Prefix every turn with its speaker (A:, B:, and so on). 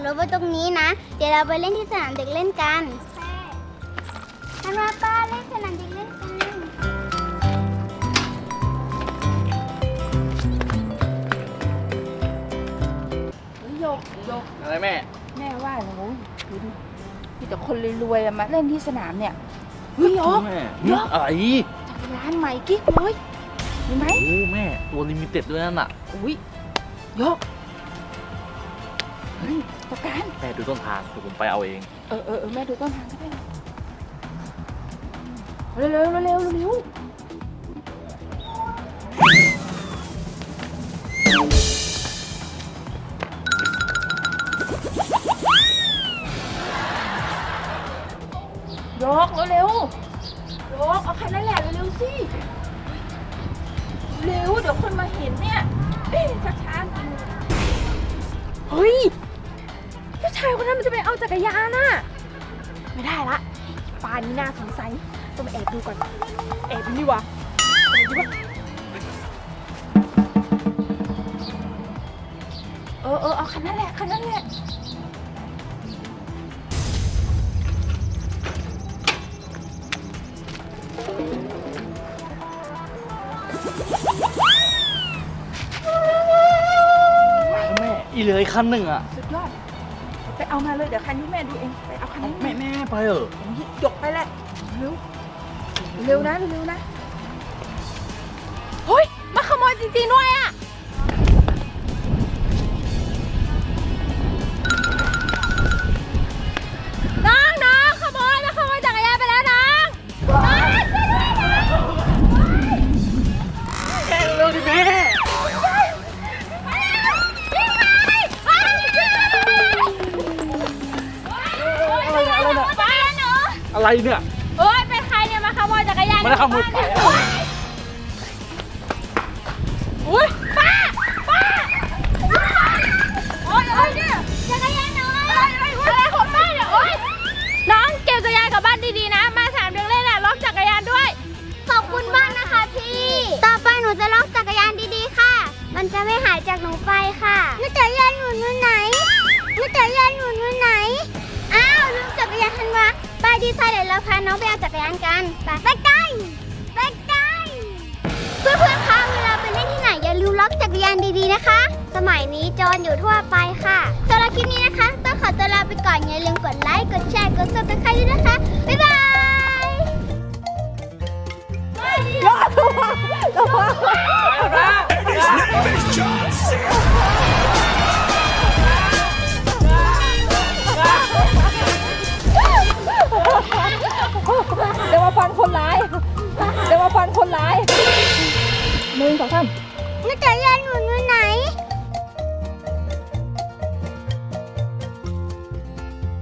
A: รถไว้ตรงนี้นะเดี๋ยวเราไปเล่นที่สนามเด็กเล่นกันธันวาป้าเล่นสนามเด็กเล่นกัน
B: โยก
C: อะไรแม่
B: แม่ว่าหนูดูดิมีแต่คนรวยๆมาเล่นที่สนามเนี่ยเฮ้ย
C: แม่อะไร
B: จักรยานใหม่กิ๊กเลยเห็นไหม
C: โอ้แม่ตัวลิมิเต็ดด้วยนั่นน่ะ
B: อุ้ยโยกเฮ้ยจักรยาน
C: แม่ดูต้นทางเดี๋ยวผมไปเอาเอง
B: แม่ดูต้นทางก็ได้เร็วโยกเร็วโยกเอาคันนั้นแหละเร็วสิเร็วเดี๋ยวคนมาเห็นเนี่ยช้าเฮ้ยผู้ชายคนนั้นมันจะไปเอาจักรยานน่ะไม่ได้ละป่านนี้น่าสงสัยต้องมาแอบดูก่อนแอบดูนี่วะเอาคันนั้นแหละ
C: แม่อีเลยคันหนึ่งอ่ะ
B: สุดยอดไปเอามาเลยเดี๋ยวคันนี้แม่ดูเองไปเอาคันนี้
C: แม่ไปเหรอ
B: หยกไปแหละเร็วนะเฮ้ยมาขโมยจริงๆด้วยอ่ะน้องขโมยจักรยานไปแล้วน้อง
C: แม่เร็วดิแม่อะไรเนี่ย
B: เอ้ยเป็นใครเนี่ยมาขโมยจักรยาน
C: ไม่ได้ขโมยไป
B: อุ้ยป้าโอ้ยเนี่ยจักรยานน้อยอะไรของป้าเนี่ยโอ้ยน้องเก็บจักรยานกลับบ้านดีๆนะมาสนามเด็กเล่นน่ะล็อกจักรยานด้วย
A: ขอบคุณมากนะคะพี่ต่อไปหนูจะล็อกจักรยานดีๆค่ะมันจะไม่หายจากหนูไปค่ะจักรยานหนูอยู่ไหนอ้าวลืมจักรยานทันวะไปดีไซน์เดี๋ยวเราพาน้องไปเอาจักรยานกันไปกันเพื่อนๆคะเวลาไปเล่นที่ไหนอย่าลืมล็อกจักรยานดีๆนะคะสมัยนี้โจรอยู่ทั่วไปค่ะสำหรับคลิปนี้นะคะต้องขอตัวลาไปก่อนอย่าลืมกดไลค์กดแชร์กดซับสไครต์ด้วยนะคะบ๊ายบาย
B: รอตัวเดี๋ยวมาฟันคนร้าย1 2 3
A: จักรยานหนูอยู่ไหน